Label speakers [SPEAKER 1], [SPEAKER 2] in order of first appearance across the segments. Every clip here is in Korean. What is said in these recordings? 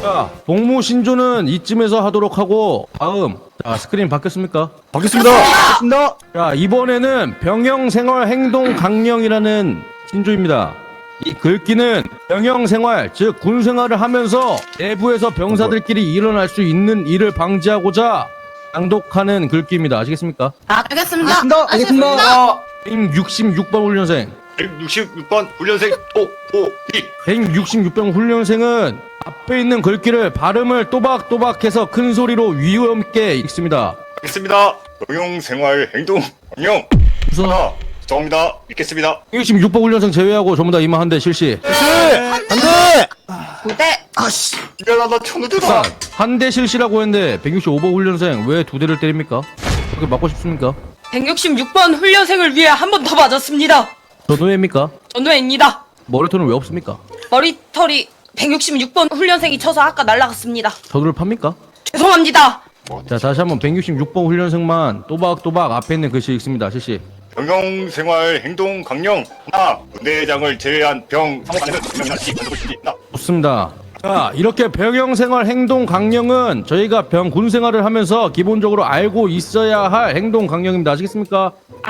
[SPEAKER 1] 자, 복무 신조는 이쯤에서 하도록 하고 다음. 자, 스크린 바뀌었습니까?
[SPEAKER 2] 바뀌었습니다. 바뀌었습니다.
[SPEAKER 1] 자, 이번에는 병영생활 행동 강령이라는 신조입니다. 이 글귀는 병영생활, 즉 군생활을 하면서 내부에서 병사들끼리 일어날 수 있는 일을 방지하고자 낭독하는 글귀입니다. 아시겠습니까?
[SPEAKER 3] 알겠습니다.
[SPEAKER 2] 알겠습니다.
[SPEAKER 1] 166번 훈련생.
[SPEAKER 4] 166번 훈련생 오오이
[SPEAKER 1] 166번 훈련생은 앞에 있는 글귀를 발음을 또박또박해서 큰 소리로 위험 있게 읽습니다.
[SPEAKER 4] 알겠습니다. 병영생활 행동 강령
[SPEAKER 1] 우선
[SPEAKER 4] 하나 정합니다. 읽겠습니다.
[SPEAKER 1] 166번 훈련생 제외하고 전부 다 이마 한 대 실시.
[SPEAKER 2] 안돼.
[SPEAKER 3] 네.
[SPEAKER 2] 아씨.
[SPEAKER 4] 미안하다 천우대다.
[SPEAKER 1] 한 대 실시라고 했는데 165번 훈련생 왜 두 대를 때립니까? 그렇게 맞고 싶습니까?
[SPEAKER 3] 166번 훈련생을 위해 한 번 더 맞았습니다.
[SPEAKER 1] 전우회입니까?
[SPEAKER 3] 전우회입니다.
[SPEAKER 1] 머리털은 왜 없습니까?
[SPEAKER 3] 머리털이 166번 훈련생이 쳐서 아까 날라갔습니다.
[SPEAKER 1] 전우를 팝니까?
[SPEAKER 3] 죄송합니다.
[SPEAKER 1] 자, 다시 한번 166번 훈련생만 또박또박 앞에 있는 글씨 읽습니다. 실시.
[SPEAKER 4] 병영생활 행동 강령 하나 군대장을 제외한 병 상호간에는 분명이나 시 반드시 시나
[SPEAKER 1] 좋습니다. 자, 이렇게 병영생활 행동 강령은 저희가 병 군생활을 하면서 기본적으로 알고 있어야 할 행동 강령입니다. 아시겠습니까?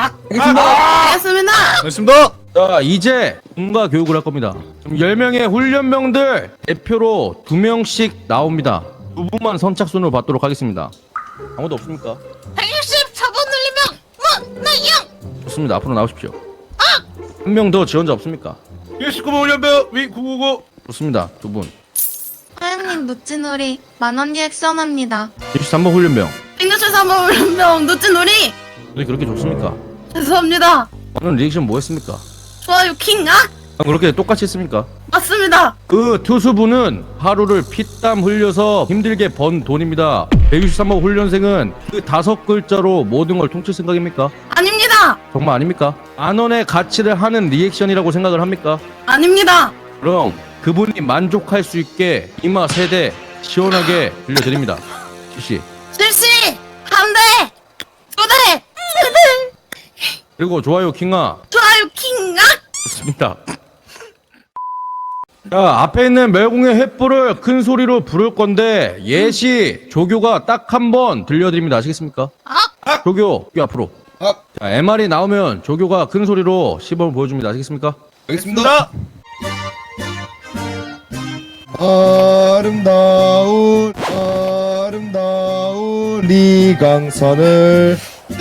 [SPEAKER 3] 알겠습니다.
[SPEAKER 2] 알겠습니다.
[SPEAKER 1] 자, 이제 군가 교육을 할 겁니다. 지금 10명의 훈련병들 대표로 2명씩 나옵니다. 두 분만 선착순으로 받도록 하겠습니다. 아무도 없습니까?
[SPEAKER 3] 164번 훈련병 문나영.
[SPEAKER 1] 좋습니다. 앞으로 나오십시오. 한 명 더 지원자 없습니까?
[SPEAKER 2] 119번 훈련병 위 999.
[SPEAKER 1] 좋습니다. 두 분.
[SPEAKER 5] 사장님 누찌놀이 만원 리액션합니다.
[SPEAKER 1] 23번 훈련병.
[SPEAKER 3] 164번 훈련병 누찌놀이.
[SPEAKER 1] 왜 그렇게 좋습니까?
[SPEAKER 3] 죄송합니다.
[SPEAKER 1] 오늘 리액션 뭐 했습니까?
[SPEAKER 3] 좋아요 킹악.
[SPEAKER 1] 그렇게 똑같이 했습니까?
[SPEAKER 3] 맞습니다.
[SPEAKER 1] 그 투수분은 하루를 피땀 흘려서 힘들게 번 돈입니다. 163번 훈련생은 그 5글자로 모든 걸 통칠 생각입니까?
[SPEAKER 3] 아닙니다.
[SPEAKER 1] 정말 아닙니까? 만원의 가치를 하는 리액션이라고 생각을 합니까?
[SPEAKER 3] 아닙니다.
[SPEAKER 1] 그럼 그분이 만족할 수 있게 이마 3대 시원하게 빌려드립니다. 실시.
[SPEAKER 3] 실시 한 대, 두 대, 세 대.
[SPEAKER 1] 그리고 좋아요 킹아.
[SPEAKER 3] 좋아요 킹악.
[SPEAKER 1] 좋습니다. 자, 앞에 있는 멸공의 횃불을 큰 소리로 부를 건데 예시 조교가 딱 한 번 들려드립니다. 아시겠습니까? 조교, 이 앞으로. 자, MR이 나오면 조교가 큰 소리로 시범을 보여줍니다. 아시겠습니까?
[SPEAKER 2] 알겠습니다. 아름다운 리강산을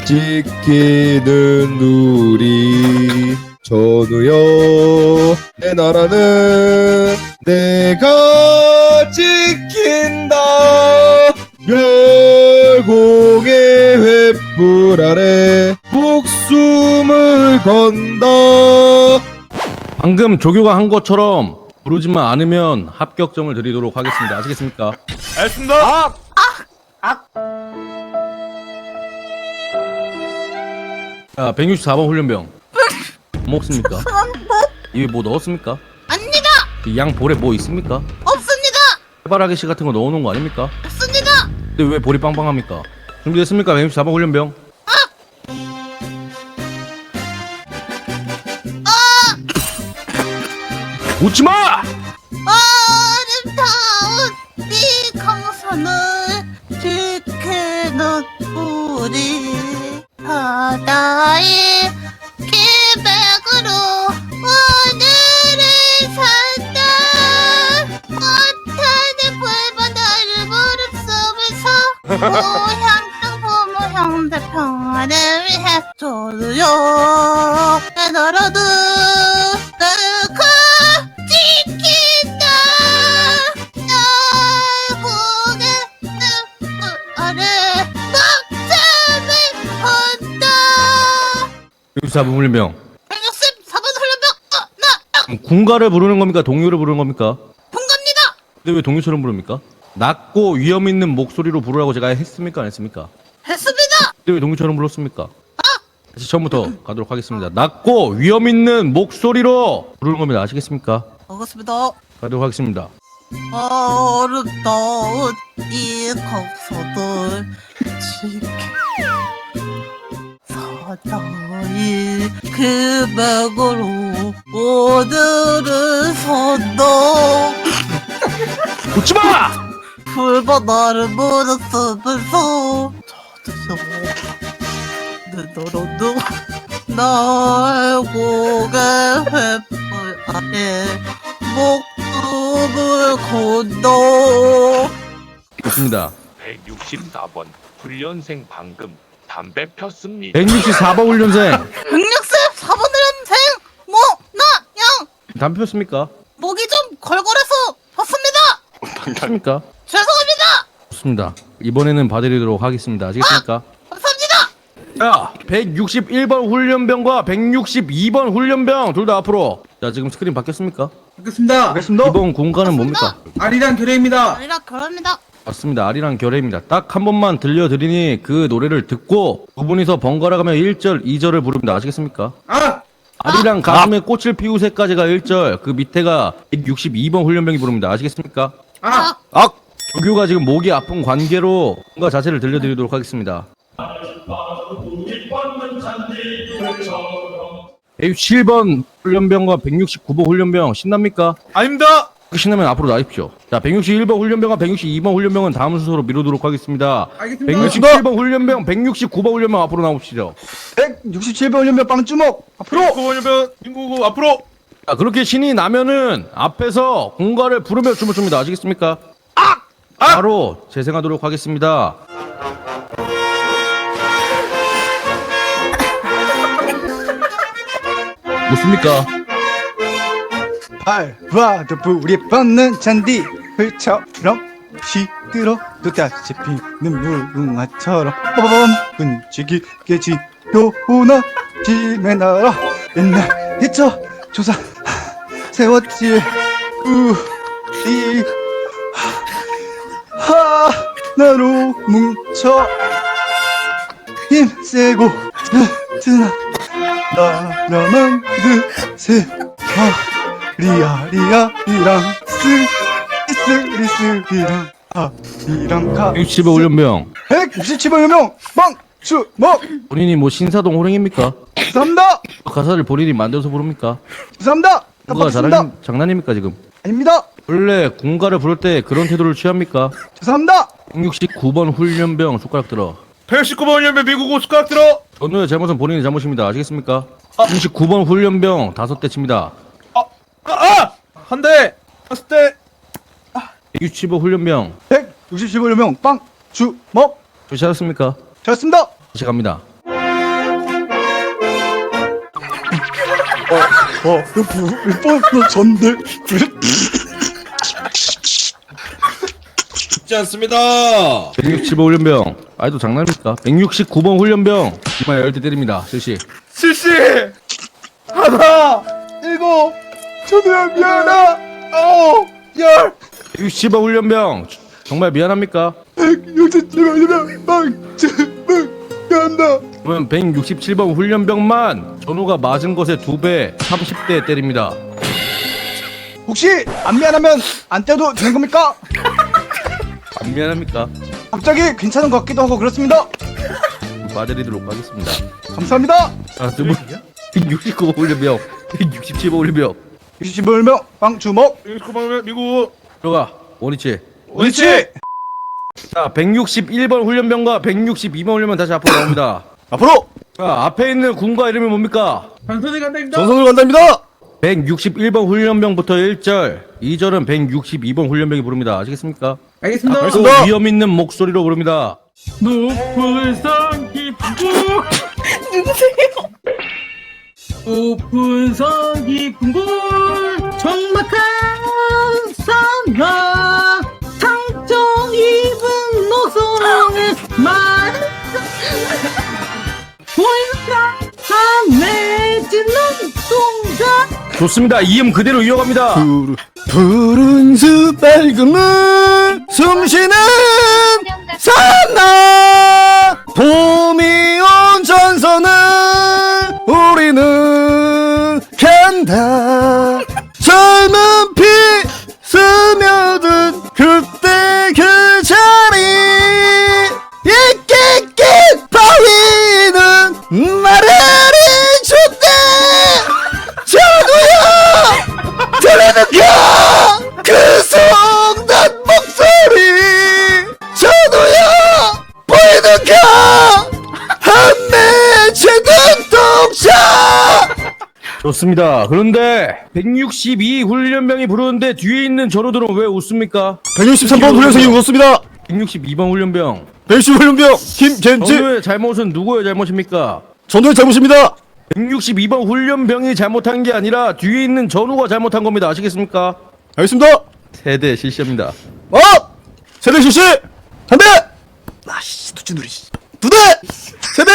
[SPEAKER 2] 지키는 우리 전우여, 내 나라는 내가 지킨다. 멸공의 횃불 아래 목숨을 건다.
[SPEAKER 1] 방금 조교가 한 것처럼 부르지만 않으면 합격점을 드리도록 하겠습니다. 아시겠습니까?
[SPEAKER 2] 알겠습니다.
[SPEAKER 1] 자, 164번 훈련병. 뭐 먹습니까? 입에 뭐 넣었습니까?
[SPEAKER 3] 아닙니다.
[SPEAKER 1] 이 양 볼에 뭐 있습니까?
[SPEAKER 3] 없습니다.
[SPEAKER 1] 해바라기 씨 같은 거 넣어놓은 거 아닙니까?
[SPEAKER 3] 없습니다.
[SPEAKER 1] 근데 왜 볼이 빵빵합니까? 준비됐습니까? 164번 훈련병. 웃지마!
[SPEAKER 3] 아름다운 네 강산을 지키는 우리 바다의 기백으로 오늘을 산다. 꽃하는 불바다를 무릎 속에서 고향 부모 형제 평화를 위해 조르요. 내 나라도 내가 지킨다. 결국에 내 아래 목숨을 건다.
[SPEAKER 1] 164번 훈련병.
[SPEAKER 3] 164번 훈련병 나
[SPEAKER 1] 그럼 군가를 부르는 겁니까? 동요를 부르는 겁니까?
[SPEAKER 3] 동갑니다.
[SPEAKER 1] 근데 왜 동요처럼 부릅니까? 낮고 위험 있는 목소리로 부르라고 제가 했습니까? 안 했습니까?
[SPEAKER 3] 했습니다.
[SPEAKER 1] 근데 왜 동요처럼 불렀습니까? 다시 처음부터 가도록 하겠습니다. 낮고 위험 있는 목소리로 부르는 겁니다. 아시겠습니까?
[SPEAKER 3] 반갑습니다.
[SPEAKER 1] 가도록 하겠습니다.
[SPEAKER 3] 아름다운 이 강산을 지켜 바다의 기백으로 오늘을 산다.
[SPEAKER 1] 웃지마!
[SPEAKER 3] 풀바다를 물었으면서 너로도 날 고개 횃불 아래 목숨을 건너.
[SPEAKER 1] 좋습니다.
[SPEAKER 6] 164번 훈련생 방금 담배 폈습니다.
[SPEAKER 1] 164번 훈련생
[SPEAKER 3] 164번 훈련생 모나양
[SPEAKER 1] 담배 폈습니까?
[SPEAKER 3] 목이 좀 걸걸해서 봤습니다.
[SPEAKER 1] 폈습니까?
[SPEAKER 3] 죄송합니다.
[SPEAKER 1] 좋습니다. 이번에는 봐드리도록 하겠습니다. 아시겠습니까?
[SPEAKER 3] 감사합니다.
[SPEAKER 1] 자, 161번 훈련병과 162번 훈련병 둘 다 앞으로. 자, 지금 스크린 바뀌었습니까?
[SPEAKER 7] 알겠습니다.
[SPEAKER 1] 이번 공간은 뭡니까?
[SPEAKER 7] 아리랑 결의입니다.
[SPEAKER 3] 아니라 결합니다.
[SPEAKER 1] 맞습니다. 아리랑 결의입니다. 딱 한 번만 들려드리니 그 노래를 듣고 두 분이서 번갈아 가며 1절, 2절을 부릅니다. 아시겠습니까?
[SPEAKER 7] 아!
[SPEAKER 1] 아리랑 가슴에 꽃을 피우새까지가 1절, 그 밑에가 162번 훈련병이 부릅니다. 아시겠습니까?
[SPEAKER 7] 아!
[SPEAKER 1] 조교가 지금 목이 아픈 관계로 뭔가 자세를 들려드리도록 하겠습니다. 107번 훈련병과 169번 훈련병 신납니까?
[SPEAKER 2] 아닙니다.
[SPEAKER 1] 신나면 앞으로 나십시오. 자, 161번 훈련병과 162번 훈련병은 다음 순서로 미루도록 하겠습니다.
[SPEAKER 7] 알겠습니다.
[SPEAKER 1] 167번 훈련병, 169번 훈련병 앞으로 나오시죠.
[SPEAKER 7] 167번 훈련병 빵주먹 앞으로.
[SPEAKER 2] 구원유병 민구구 앞으로.
[SPEAKER 1] 자, 그렇게 신이 나면은 앞에서 공가를 부르며 춤을 춥니다. 아시겠습니까? 바로 재생하도록 하겠습니다. 묻습니까?
[SPEAKER 7] 밟아도 불이 뻗는 잔디 흙처럼 시들어도 다시 피는 무궁화처럼 빠밤 끈질기게 지도나 짐의 나라 옛날 hit터 조사 세웠지 우리 하나로 뭉쳐 힘세고 튼튼한 나라만 드세 리아리아이랑 스리스리랑 아리랑 가
[SPEAKER 1] 165 훈련병.
[SPEAKER 7] 167번 유명 빵주먹
[SPEAKER 1] 본인이 뭐 신사동 호랭입니까?
[SPEAKER 7] 죄송합니다
[SPEAKER 1] 가사를 본인이 만들어서 부릅니까?
[SPEAKER 7] 죄송합니다
[SPEAKER 1] 뭔가
[SPEAKER 7] 깜빡했습니다
[SPEAKER 1] 장난입니까 지금?
[SPEAKER 7] 아닙니다
[SPEAKER 1] 원래 공가를 부를 때 그런 태도를 취합니까?
[SPEAKER 7] 죄송합니다
[SPEAKER 1] 169번 훈련병 숟가락 들어.
[SPEAKER 2] 119번 훈련병 민구구 숟가락 들어.
[SPEAKER 1] 전우의 잘못은 본인의 잘못입니다. 아시겠습니까? 169번 훈련병 5대 칩니다.
[SPEAKER 2] 한 대. 다섯 대.
[SPEAKER 1] 165 훈련병
[SPEAKER 7] 167번 유명 빵주먹
[SPEAKER 1] 조시하셨습니까?
[SPEAKER 7] 잘했습니다
[SPEAKER 1] 다시 갑니다.
[SPEAKER 7] 이번 전대
[SPEAKER 2] 쉽지 않습니다.
[SPEAKER 1] 165 훈련병 아이도 장난입니까? 169번 훈련병 이마에 열대 때립니다. 실시.
[SPEAKER 2] 실시.
[SPEAKER 7] 하나 일곱 저도야 미안하 열
[SPEAKER 1] 165 훈련병 정말 미안합니까?
[SPEAKER 7] 167번 유명 빵주먹 간다
[SPEAKER 1] 그러면 167번 훈련병만 전우가 맞은 것의 2배 30대 때립니다.
[SPEAKER 7] 혹시 안 미안하면 안 떼도 되는 겁니까?
[SPEAKER 1] 안 미안합니까?
[SPEAKER 7] 갑자기 괜찮은 것 같기도 하고 그렇습니다
[SPEAKER 1] 봐드리도록 하겠습니다.
[SPEAKER 7] 감사합니다
[SPEAKER 1] 자, 두 분. 169번 훈련병 167번 훈련병
[SPEAKER 7] 67번 유명 빵주먹
[SPEAKER 2] 119번 훈련병 민구구.
[SPEAKER 1] 들어가 원위치.
[SPEAKER 2] 원위치.
[SPEAKER 1] 자, 161번 훈련병과 162번 훈련병 다시 앞으로 나옵니다.
[SPEAKER 2] 앞으로.
[SPEAKER 1] 자, 앞에 있는 군과 이름이 뭡니까?
[SPEAKER 7] 전선이 간다입니다
[SPEAKER 2] 전선으로 간답니다.
[SPEAKER 1] 161번 훈련병부터 1절, 2절은 162번 훈련병이 부릅니다. 아시겠습니까?
[SPEAKER 7] 알겠습니다
[SPEAKER 1] 또
[SPEAKER 2] 알겠습니다.
[SPEAKER 1] 위험 있는 목소리로 부릅니다.
[SPEAKER 7] 높은 산 깊은 곳 높은 산 깊은 곳
[SPEAKER 3] 정막한 산하 상처 입은 노성의 말 보이는 내지는 동작
[SPEAKER 1] 좋습니다. 이음 그대로 이어갑니다.
[SPEAKER 7] 푸른 숲 밝은 물 숨쉬는 산나 봄이 온 전선을 우리는 간다 젊은 피 스며든 그때 그 자리 이끼끼 바위는 나를 잊었대 전우야 들리는가 그 성난 목소리
[SPEAKER 1] 좋습니다. 그런데 162 훈련병이 부르는데 뒤에 있는 전우들은 왜 웃습니까?
[SPEAKER 2] 163번 훈련생이 웃었습니다.
[SPEAKER 1] 162번 훈련병.
[SPEAKER 2] 110 훈련병 김겐지
[SPEAKER 1] 전우의 잘못은 누구의 잘못입니까?
[SPEAKER 2] 전우의 잘못입니다.
[SPEAKER 1] 162번 훈련병이 잘못한 게 아니라 뒤에 있는 전우가 잘못한 겁니다. 아시겠습니까?
[SPEAKER 2] 알겠습니다.
[SPEAKER 1] 세대 실시합니다.
[SPEAKER 2] 세대 실시. 한 대. 아씨 두치누리. 두 대. 세 대.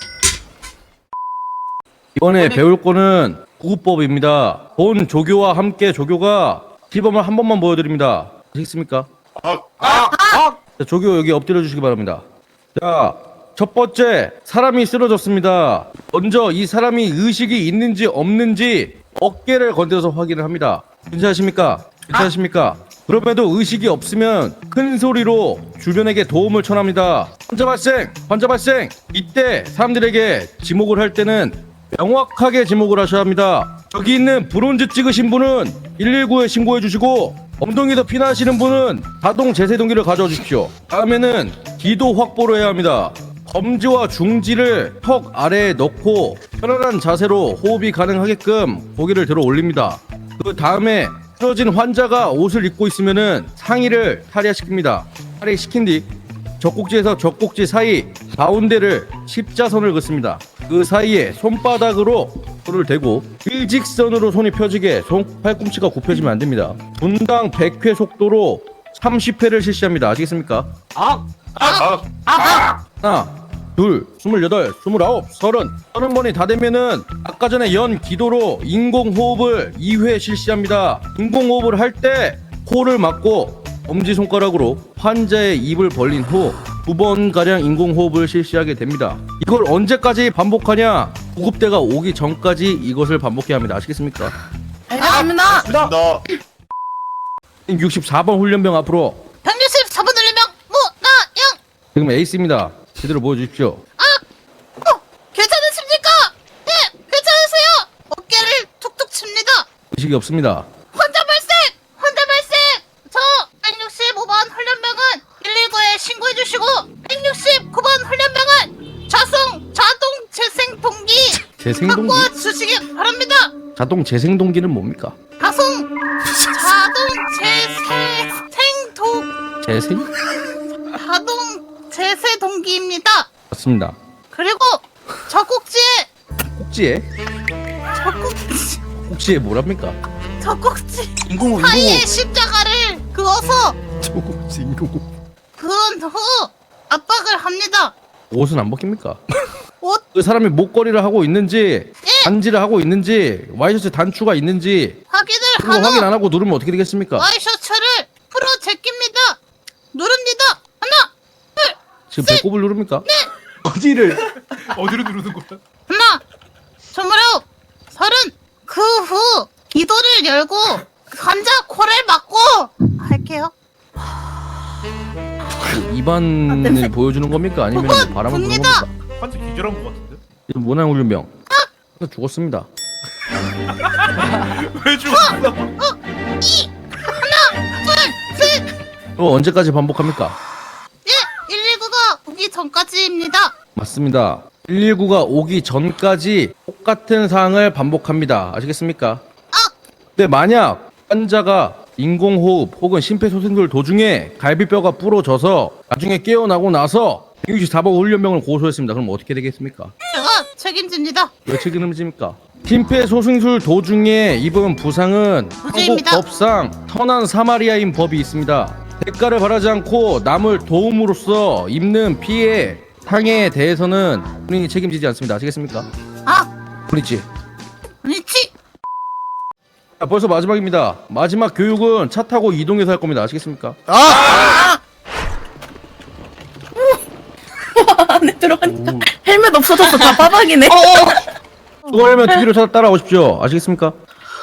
[SPEAKER 1] 이번에 배울 거는 구급법입니다. 본 조교와 함께 조교가 시범을 한 번만 보여드립니다. 아시겠습니까? 자, 조교 여기 엎드려 주시기 바랍니다. 자, 첫 번째 사람이 쓰러졌습니다. 먼저 이 사람이 의식이 있는지 없는지 어깨를 건드려서 확인을 합니다. 괜찮으십니까? 괜찮으십니까? 그럼에도 의식이 없으면 큰 소리로 주변에게 도움을 청합니다. 환자 발생! 이때 사람들에게 지목을 할 때는 명확하게 지목을 하셔야 합니다. 여기 있는 브론즈 찍으신 분은 119에 신고해 주시고 엉덩이에서 피나시는 분은 자동 제세동기를 가져와 주십시오. 다음에는 기도 확보를 해야 합니다. 검지와 중지를 턱 아래에 넣고 편안한 자세로 호흡이 가능하게끔 고개를 들어 올립니다. 그 다음에 쓰러진 환자가 옷을 입고 있으면은 상의를 탈의시킵니다. 탈의시킨 뒤 젖꼭지에서 젖꼭지 사이 가운데를 십자선을 긋습니다. 그 사이에 손바닥으로 손을 대고 일직선으로 손이 펴지게 손 팔꿈치가 굽혀지면 안 됩니다. 분당 100회 속도로 30회를 실시합니다. 아시겠습니까? 하나, 둘, 28, 29, 30번이 다 되면은 아까 전에 연 기도로 인공호흡을 2회 실시합니다. 인공호흡을 할 때 코를 막고 엄지손가락으로 환자의 입을 벌린 후 2번가량 인공호흡을 실시하게 됩니다. 이걸 언제까지 반복하냐? 구급대가 오기 전까지 이것을 반복해야 합니다. 아시겠습니까?
[SPEAKER 3] 알겠습니다.
[SPEAKER 4] 나
[SPEAKER 1] 64번 훈련병 앞으로
[SPEAKER 3] 164번 훈련병 무나영.
[SPEAKER 1] 지금 에이스입니다. 제대로 보여주십시오.
[SPEAKER 3] 괜찮으십니까? 네, 괜찮으세요. 어깨를 툭툭 칩니다.
[SPEAKER 1] 의식이 없습니다.
[SPEAKER 3] 환자 발생! 저 165번 훈련병은 119에 신고해 주시고 169번 훈련병은 자동 재생 동기
[SPEAKER 1] 재생동기?
[SPEAKER 3] 확보해 주시기 바랍니다.
[SPEAKER 1] 자동 재생동기는 뭡니까?
[SPEAKER 3] 자동
[SPEAKER 1] 재생?
[SPEAKER 3] 재세 동기입니다.
[SPEAKER 1] 맞습니다.
[SPEAKER 3] 그리고 젖꼭지에
[SPEAKER 1] 꼭지에 뭐랍니까?
[SPEAKER 3] 젖꼭지
[SPEAKER 7] 인공호흡
[SPEAKER 3] 사이에 십자가를 그어서 그은 후 압박을 합니다.
[SPEAKER 1] 옷은 안 벗깁니까?
[SPEAKER 3] 옷
[SPEAKER 1] 그 사람이 목걸이를 하고 있는지 반지를 하고 있는지 와이셔츠 단추가 있는지
[SPEAKER 3] 확인을
[SPEAKER 1] 그거
[SPEAKER 3] 한
[SPEAKER 1] 확인
[SPEAKER 3] 후
[SPEAKER 1] 안 하고 누르면 어떻게 되겠습니까?
[SPEAKER 3] 와이셔츠를 풀어 제낍니다. 누릅니다. 하나, 둘,
[SPEAKER 1] 지금 배꼽을 누릅니까?
[SPEAKER 7] 어디를
[SPEAKER 2] 어디로 누르는 거야?
[SPEAKER 3] 하나, 29, 30. 그 후 기도를 열고 환자 코를 막고 할게요.
[SPEAKER 1] 입안을 보여주는 겁니까? 아니면
[SPEAKER 3] 그건
[SPEAKER 1] 바람을 부는
[SPEAKER 3] 봅니다.
[SPEAKER 1] 겁니까?
[SPEAKER 2] 한지 기절한 거 같은데?
[SPEAKER 1] 지금 모난 훈련병 죽었습니다.
[SPEAKER 2] 왜 죽었어?
[SPEAKER 1] 언제까지 반복합니까?
[SPEAKER 3] 예, 119가 오기 전까지입니다.
[SPEAKER 1] 맞습니다. 119가 오기 전까지 똑같은 사항을 반복합니다. 아시겠습니까? 근데 만약 환자가 인공호흡 혹은 심폐소생술 도중에 갈비뼈가 부러져서 나중에 깨어나고 나서 164번 훈련병을 고소했습니다. 그럼 어떻게 되겠습니까?
[SPEAKER 3] 제가 책임집니다.
[SPEAKER 1] 왜 책임집니까? 심폐소생술 도중에 입은 부상은 한국
[SPEAKER 3] 무죄입니다.
[SPEAKER 1] 법상 선한 사마리아인 법이 있습니다. 대가를 바라지 않고 남을 도움으로써 입는 피해 상해에 대해서는 본인이 책임지지 않습니다. 아시겠습니까? 본인지.
[SPEAKER 3] 아니지.
[SPEAKER 1] 자, 벌써 마지막입니다. 마지막 교육은 차 타고 이동해서 할 겁니다. 아시겠습니까?
[SPEAKER 3] 안에 들어가니까 헬멧 없어졌어. 다 빠박이네.
[SPEAKER 1] 그거 하면 뒤로 따라오십시오. 아시겠습니까?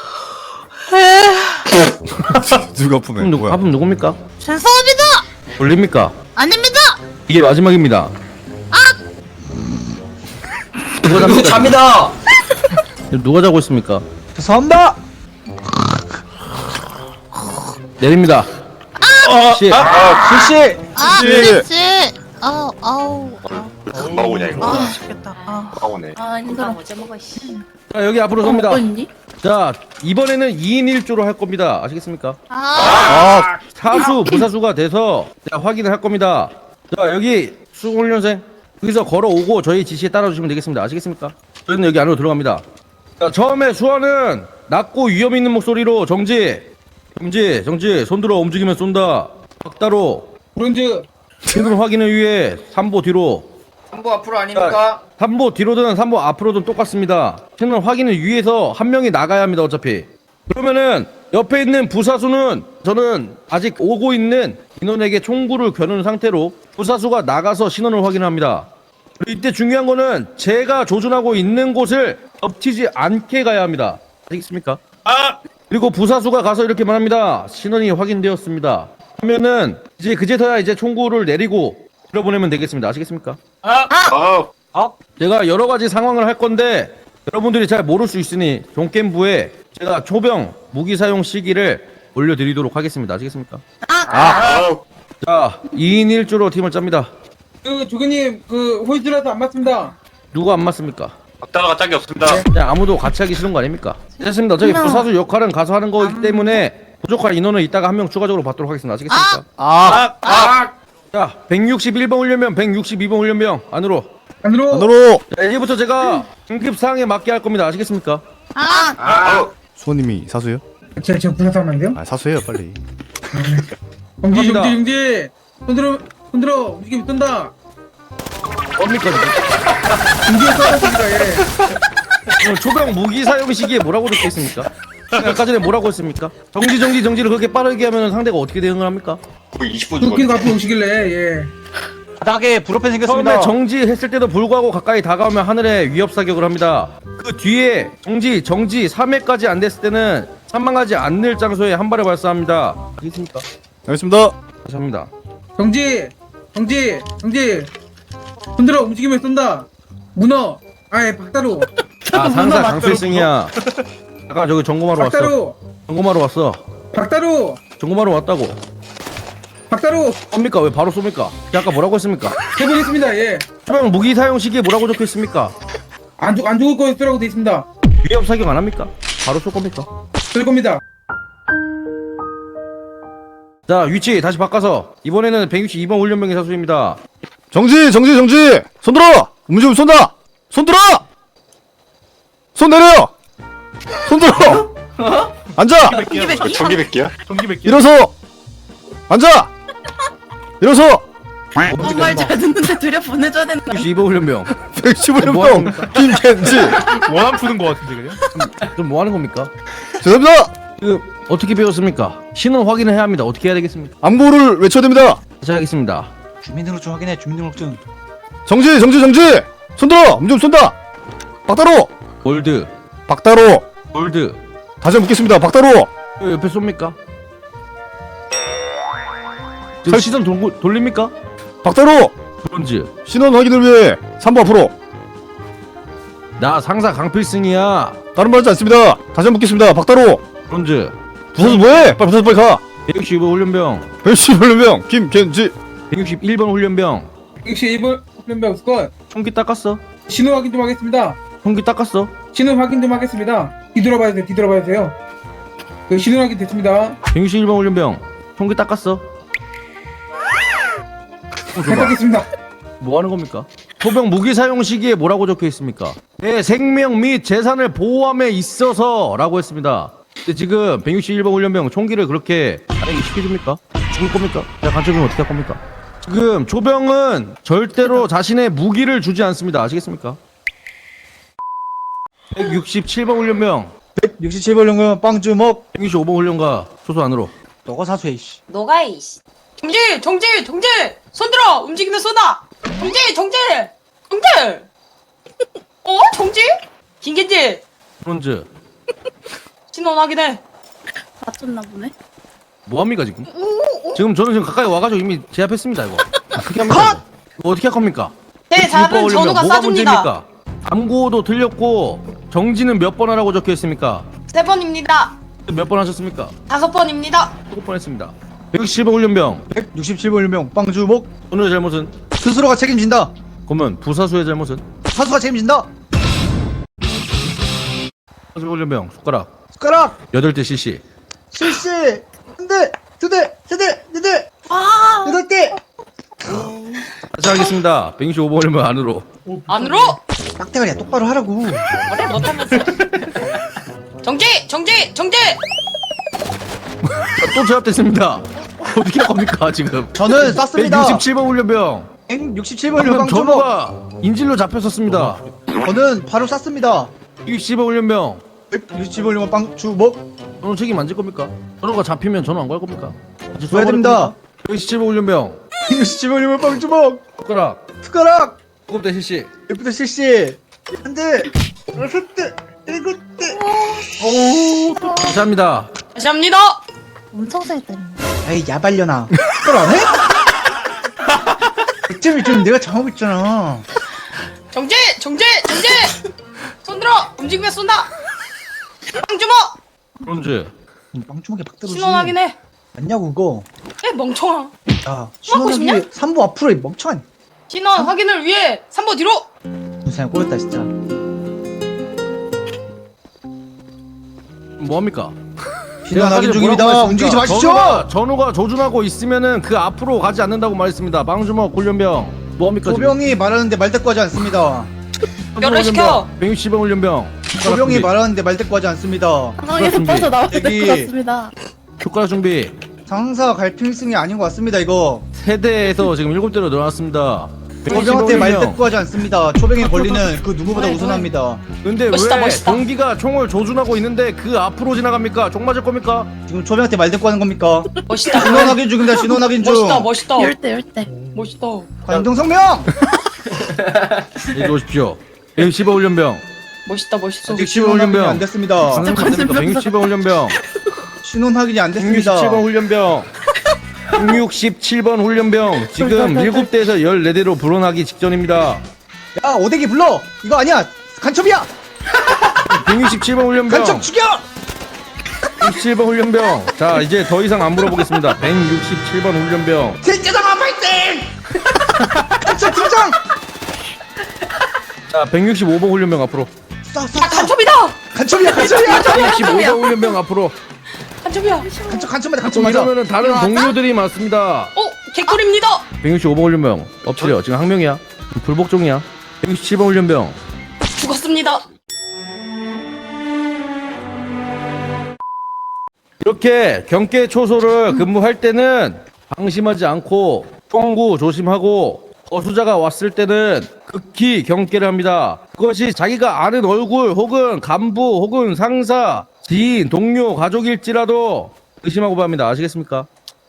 [SPEAKER 2] 누가 푸네?
[SPEAKER 1] 밥은 누굽니까?
[SPEAKER 3] 죄송합니다.
[SPEAKER 1] 돌립니까?
[SPEAKER 3] 아닙니다.
[SPEAKER 1] 이게 마지막입니다. 누가 잡니다. 누가 자고 있습니까?
[SPEAKER 7] 죄송합니다.
[SPEAKER 1] 내립니다. 씨.
[SPEAKER 7] 실시.
[SPEAKER 3] 그렇지. 아우.
[SPEAKER 4] 금방 오냐 이거.
[SPEAKER 3] 죽겠다.
[SPEAKER 4] 금방 오네.
[SPEAKER 3] 힘들어. 어제 먹어.
[SPEAKER 1] 자, 여기 앞으로 섭니다.
[SPEAKER 3] 어딨니?
[SPEAKER 1] 자, 이번에는 2인 1조로 할 겁니다. 아시겠습니까?
[SPEAKER 2] 아,
[SPEAKER 1] 사수, 무사수가 돼서 자, 확인을 할 겁니다. 자, 여기 수훈련생 여기서 걸어오고 저희 지시에 따라주시면 되겠습니다. 아시겠습니까? 저희는 여기 안으로 들어갑니다. 자, 처음에 수환은 낮고 위험 있는 목소리로 정지, 손 들어 움직이면 쏜다. 박다로
[SPEAKER 7] 브론즈.
[SPEAKER 1] 신분 확인을 위해 3보 뒤로.
[SPEAKER 8] 3보 앞으로 아닙니까?
[SPEAKER 1] 3보 뒤로든 3보 앞으로든 똑같습니다. 신분 확인을 위해서 한 명이 나가야 합니다. 어차피. 그러면은 옆에 있는 부사수는 저는 아직 오고 있는 인원에게 총구를 겨눈 상태로 부사수가 나가서 신원을 확인합니다. 그리고 이때 중요한 거는 제가 조준하고 있는 곳을 덮치지 않게 가야 합니다. 아시겠습니까? 그리고 부사수가 가서 이렇게 말합니다. 신원이 확인되었습니다. 하면은 이제 그제서야 이제 총구를 내리고 들어보내면 되겠습니다. 아시겠습니까? 제가 여러 가지 상황을 할 건데 여러분들이 잘 모를 수 있으니 종겜부에 제가 초병 무기 사용 시기를 올려드리도록 하겠습니다. 아시겠습니까? 자, 2인 1조로 팀을 짭니다.
[SPEAKER 7] 조교님 호이즈라도 안 맞습니다.
[SPEAKER 1] 누가 안 맞습니까?
[SPEAKER 4] 박다가 짝이 없습니다.
[SPEAKER 1] 그냥 아무도 같이 하기 싫은 거 아닙니까? 됐습니다. 어차피 부사수 역할은 가서 하는 거기 때문에 부족한 인원을 이따가 한 명 추가적으로 받도록 하겠습니다. 아시겠습니까? 자, 161번 훈련병, 162번 훈련병 안으로.
[SPEAKER 2] 안으로.
[SPEAKER 1] 자, 이제부터 제가 긴급 사항에 맞게 할 겁니다. 아시겠습니까?
[SPEAKER 2] 수호님이 사수예요?
[SPEAKER 7] 제가 부사사면 안 돼요?
[SPEAKER 2] 아, 사수예요, 빨리.
[SPEAKER 7] 정지
[SPEAKER 1] 갑니다.
[SPEAKER 7] 정지 정지. 손 들어 움직이면 뜬다.
[SPEAKER 1] 뭡니까 지금?
[SPEAKER 7] 움직여 쏘았습니다. 예.
[SPEAKER 1] 초병 무기 사용 시기에 뭐라고 적혀 있습니까? 아까 전에 뭐라고 했습니까? 정지를 그렇게 빠르게 하면 상대가 어떻게 대응을 합니까?
[SPEAKER 4] 거의 20분
[SPEAKER 7] 도끼가
[SPEAKER 4] 죽었네.
[SPEAKER 7] 앞으로 오시길래 예.
[SPEAKER 8] 바닥에 불어팬 생겼습니다.
[SPEAKER 1] 처음에 정지했을 때도 불구하고 가까이 다가오면 하늘에 위협 사격을 합니다. 그 뒤에 정지 3회까지 안 됐을 때는 사망하지 않는 장소에 한 발을 발사합니다. 알겠습니까?
[SPEAKER 2] 알겠습니다.
[SPEAKER 1] 다시 합니다.
[SPEAKER 7] 정지. 손 들어 움직이면 쏜다. 문어. 아예 박다로.
[SPEAKER 1] 아, 상사 강필승이야. 잠깐 저기 점검하러 왔어.
[SPEAKER 7] 박다로.
[SPEAKER 1] 점검하러 왔어.
[SPEAKER 7] 박다로.
[SPEAKER 1] 점검하러 왔다고.
[SPEAKER 7] 박다로.
[SPEAKER 1] 쏩니까? 왜 바로 쏩니까? 아까 뭐라고 했습니까?
[SPEAKER 7] 해보겠습니다. 예.
[SPEAKER 1] 초병 무기 사용 시기에 뭐라고 적혀 있습니까?
[SPEAKER 7] 안 죽을 거라고 돼 있습니다.
[SPEAKER 1] 위협 사격 안 합니까? 바로 쏠 겁니까?
[SPEAKER 7] 될 겁니다.
[SPEAKER 1] 자, 위치 다시 바꿔서 이번에는 162번 훈련병의 사수입니다.
[SPEAKER 2] 정지. 손 들어. 움직이면 쏜다. 손 들어. 손 내려. 손 들어. 앉아.
[SPEAKER 4] 전기백기야?
[SPEAKER 2] 일어서. 앉아. 일어서.
[SPEAKER 3] 정말 잘 듣는데 들여 보내줘야 된다.
[SPEAKER 1] 162번 훈련병.
[SPEAKER 2] 115명 김켄지.
[SPEAKER 9] 원한 푸는 거 같은데 그냥?
[SPEAKER 1] 좀 뭐 하는 겁니까?
[SPEAKER 2] 죄송합니다.
[SPEAKER 1] 그 어떻게 배웠습니까? 신원 확인을 해야 합니다. 어떻게 해야 되겠습니까?
[SPEAKER 2] 암고를 외쳐야 됩니다.
[SPEAKER 1] 다시 하겠습니다.
[SPEAKER 8] 주민등록증 확인해. 주민등록증.
[SPEAKER 2] 정지. 손 들어. 움직이면 쏜다. 박다로.
[SPEAKER 1] 골드.
[SPEAKER 2] 박다로.
[SPEAKER 1] 골드.
[SPEAKER 2] 다시 한번 묻겠습니다. 박다로.
[SPEAKER 1] 왜 옆에 쏩니까? 지금 시선 돌립니까?
[SPEAKER 2] 박다로.
[SPEAKER 1] 브론즈.
[SPEAKER 2] 신원 확인을 위해 3부 앞으로.
[SPEAKER 1] 나 상사 강필승이야.
[SPEAKER 2] 다른 말 하지 않습니다. 다시 한번 묻겠습니다. 박다로.
[SPEAKER 1] 브론즈.
[SPEAKER 2] 부서서 뭐해? 부서서 빨리 가.
[SPEAKER 1] 165 훈련병.
[SPEAKER 2] 115명 김켄지.
[SPEAKER 1] 161번 훈련병.
[SPEAKER 7] 112번 훈련병 스쿼드.
[SPEAKER 1] 총기 닦았어.
[SPEAKER 7] 신호 확인 좀 하겠습니다.
[SPEAKER 1] 총기 닦았어.
[SPEAKER 7] 신호 확인 좀 하겠습니다. 뒤돌아봐야 돼요. 그 신호 확인 됐습니다.
[SPEAKER 1] 161번 훈련병. 총기 닦았어.
[SPEAKER 7] 부탁드리겠습니다.
[SPEAKER 1] 뭐 하는 겁니까? 소병 무기 사용 시기에 뭐라고 적혀 있습니까? 내 생명 및 재산을 보호함에 있어서라고 했습니다. 근데 지금 161번 훈련병 총기를 그렇게 아니 시켜줍니까? 죽을 겁니까? 야, 간첩이면 어떻게 할 겁니까? 지금 조병은 절대로 자신의 무기를 주지 않습니다. 아시겠습니까? 167번 훈련병,
[SPEAKER 8] 67번 연구원 빵주먹.
[SPEAKER 1] 165번 훈련가 소소 안으로.
[SPEAKER 8] 너가 사수해 이씨.
[SPEAKER 3] 너가 이씨. 정지! 손 들어! 움직이면 쏘다! 정지! 정지! 김겐지!
[SPEAKER 1] 브론즈.
[SPEAKER 3] 신원 확인해. 맞췄나 보네.
[SPEAKER 1] 뭐합니까 지금? 지금 저는 지금 가까이 와가지고 이미 제압했습니다 이거. 어떻게 합니까? 이거 어떻게 할 겁니까?
[SPEAKER 3] 제 잡은 전우가
[SPEAKER 1] 뭐가
[SPEAKER 3] 쏴줍니다.
[SPEAKER 1] 문제입니까? 암고도 틀렸고 정지는 몇 번 하라고 적혀 있습니까?
[SPEAKER 3] 3번입니다.
[SPEAKER 1] 몇 번 하셨습니까?
[SPEAKER 3] 5번입니다.
[SPEAKER 1] 7번 했습니다. 117번 훈련병.
[SPEAKER 8] 167번 훈련병 빵주먹.
[SPEAKER 1] 오늘의 잘못은?
[SPEAKER 8] 스스로가 책임진다.
[SPEAKER 1] 그러면 부사수의 잘못은?
[SPEAKER 8] 사수가 책임진다.
[SPEAKER 1] 훈련병 숟가락
[SPEAKER 7] 숟가락
[SPEAKER 1] 8대 CC.
[SPEAKER 7] 실시 한 대, 두 대, 세 대, 네 대, 여덟 대.
[SPEAKER 1] 다시 하겠습니다. 165번 훈련병 안으로.
[SPEAKER 3] 안으로.
[SPEAKER 7] 빡대가리야 똑바로 하라고.
[SPEAKER 3] 그래 못하면서. 정지 정지 정지.
[SPEAKER 1] 또 제압됐습니다. 어떻게 할 겁니까 지금?
[SPEAKER 7] 저는 쐈습니다.
[SPEAKER 1] 167번 훈련병.
[SPEAKER 7] 167번
[SPEAKER 1] 방금
[SPEAKER 7] 방주먹.
[SPEAKER 1] 전우가 인질로 잡혔었습니다.
[SPEAKER 7] 저는 바로 쐈습니다.
[SPEAKER 1] 110번 훈련병.
[SPEAKER 7] 167번 방주먹.
[SPEAKER 1] 전우 책임 안 질 겁니까? 전우가 잡히면 전우 안 갈 겁니까? 같이
[SPEAKER 7] 줘야 됩니다.
[SPEAKER 1] 117번 훈련병.
[SPEAKER 7] 167번 방주먹.
[SPEAKER 1] 숟가락
[SPEAKER 7] 숟가락
[SPEAKER 1] 7대 CC.
[SPEAKER 7] 1부터 실시 한 대, 여섯 대, 일곱 대. 오,
[SPEAKER 1] 감사합니다.
[SPEAKER 3] 다시 합니다.
[SPEAKER 5] 엄청 잘 때린다.
[SPEAKER 7] 에이 야발려나. 그걸 안 해? 100점이 내가 정하고 있잖아.
[SPEAKER 3] 정지 정지 정지. 손 들어. 움직이면 쏜다. 빵주먹.
[SPEAKER 1] 브론즈.
[SPEAKER 7] 방주먹에 박대로
[SPEAKER 3] 신원 확인해.
[SPEAKER 7] 맞냐고 그거.
[SPEAKER 3] 에 멍청아.
[SPEAKER 7] 야
[SPEAKER 3] 먹고 싶냐?
[SPEAKER 7] 신원하기 3부 앞으로 이 멍청한.
[SPEAKER 3] 신원 확인을 위해 3보 뒤로.
[SPEAKER 7] 눈살 꼬였다 진짜.
[SPEAKER 1] 뭐합니까?
[SPEAKER 7] 신원 확인 중입니다. 움직이지 마시죠.
[SPEAKER 1] 전우가 조준하고 있으면은 그 앞으로 가지 않는다고 말했습니다. 방주먹 훈련병. 뭐합니까?
[SPEAKER 7] 조병이 말하는데 말대꾸하지 않습니다.
[SPEAKER 3] 열을 시켜.
[SPEAKER 1] 160번 훈련병.
[SPEAKER 7] 조병이 말하는데 말대꾸하지 않습니다.
[SPEAKER 1] 상황에서
[SPEAKER 5] 나올
[SPEAKER 7] 여기.
[SPEAKER 5] 것 같습니다.
[SPEAKER 1] 효과락 준비.
[SPEAKER 7] 상사 갈필승이 아닌 것 같습니다 이거.
[SPEAKER 1] 세대에서 지금 7대로 늘어났습니다.
[SPEAKER 7] 조병한테
[SPEAKER 1] 115번 훈련.
[SPEAKER 7] 말대꾸하지 않습니다. 조병의 권리는 그 누구보다 우선합니다.
[SPEAKER 1] 근데
[SPEAKER 3] 멋있다,
[SPEAKER 1] 왜
[SPEAKER 3] 멋있다.
[SPEAKER 1] 동기가 총을 조준하고 있는데 그 앞으로 지나갑니까? 총 맞을 겁니까?
[SPEAKER 7] 지금 조병한테 말대꾸하는 겁니까?
[SPEAKER 3] 멋있다.
[SPEAKER 7] 신원 확인 중입니다. 신원 확인 중.
[SPEAKER 3] 멋있다 멋있다.
[SPEAKER 5] 열대.
[SPEAKER 3] 멋있다.
[SPEAKER 7] 관동성명.
[SPEAKER 1] 얘기 오십시오. 115번 훈련병.
[SPEAKER 3] 멋있다 멋있어.
[SPEAKER 1] 아직
[SPEAKER 7] 신원 확인이 안 됐습니다.
[SPEAKER 1] 167번 훈련병.
[SPEAKER 7] 신원 확인이 안 됐습니다.
[SPEAKER 1] 167번 훈련병. 167번 훈련병. 지금 7대에서 14대로 불어나기 직전입니다.
[SPEAKER 7] 야 오대기 불러. 이거 아니야. 간첩이야.
[SPEAKER 1] 167번 훈련병.
[SPEAKER 7] 간첩 죽여.
[SPEAKER 1] 167번 훈련병. 자, 이제 더 이상 안 물어보겠습니다. 167번 훈련병.
[SPEAKER 7] 대장아 파이팅. 간첩 등장.
[SPEAKER 1] 자, 165번 훈련병 앞으로.
[SPEAKER 3] 아 간첩이다.
[SPEAKER 7] 간첩이야.
[SPEAKER 1] 165번 훈련병 앞으로.
[SPEAKER 3] 간첩이야.
[SPEAKER 7] 간첩 맞아. 간첩
[SPEAKER 1] 좀
[SPEAKER 7] 맞아.
[SPEAKER 1] 이러면은 다른 동료들이 많습니다.
[SPEAKER 3] 개꿀입니다.
[SPEAKER 1] 165번 훈련병. 엎드려. 지금 항명이야. 불복종이야. 167번 훈련병.
[SPEAKER 3] 죽었습니다.
[SPEAKER 1] 이렇게 경계 초소를 근무할 때는 방심하지 않고 총구 조심하고 거수자가 왔을 때는 극히 경계를 합니다. 그것이 자기가 아는 얼굴 혹은 간부 혹은 상사, 지인, 동료, 가족일지라도 의심하고 봅니다. 아시겠습니까?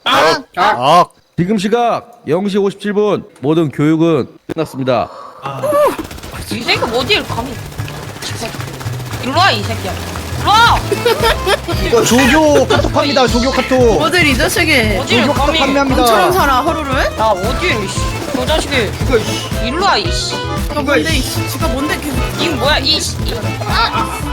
[SPEAKER 1] 지금 시각 0시 57분 모든 교육은 끝났습니다.
[SPEAKER 3] 이 새끼 어디를 감히? 일로 와 이 새끼야. 일로 와.
[SPEAKER 7] 이거 조교 카톡합니다. 조교 카톡.
[SPEAKER 5] 어딜 이 자식이.
[SPEAKER 3] 어디를
[SPEAKER 7] 조교 카톡
[SPEAKER 3] 감히?
[SPEAKER 7] 판매합니다.
[SPEAKER 5] 살아 하루를?
[SPEAKER 3] 나 어디 이씨. 저 자식이. 일로 와 이씨.
[SPEAKER 5] 이거 뭔데 이씨. 지가 뭔데 계속.
[SPEAKER 3] 이거 뭐야 이씨.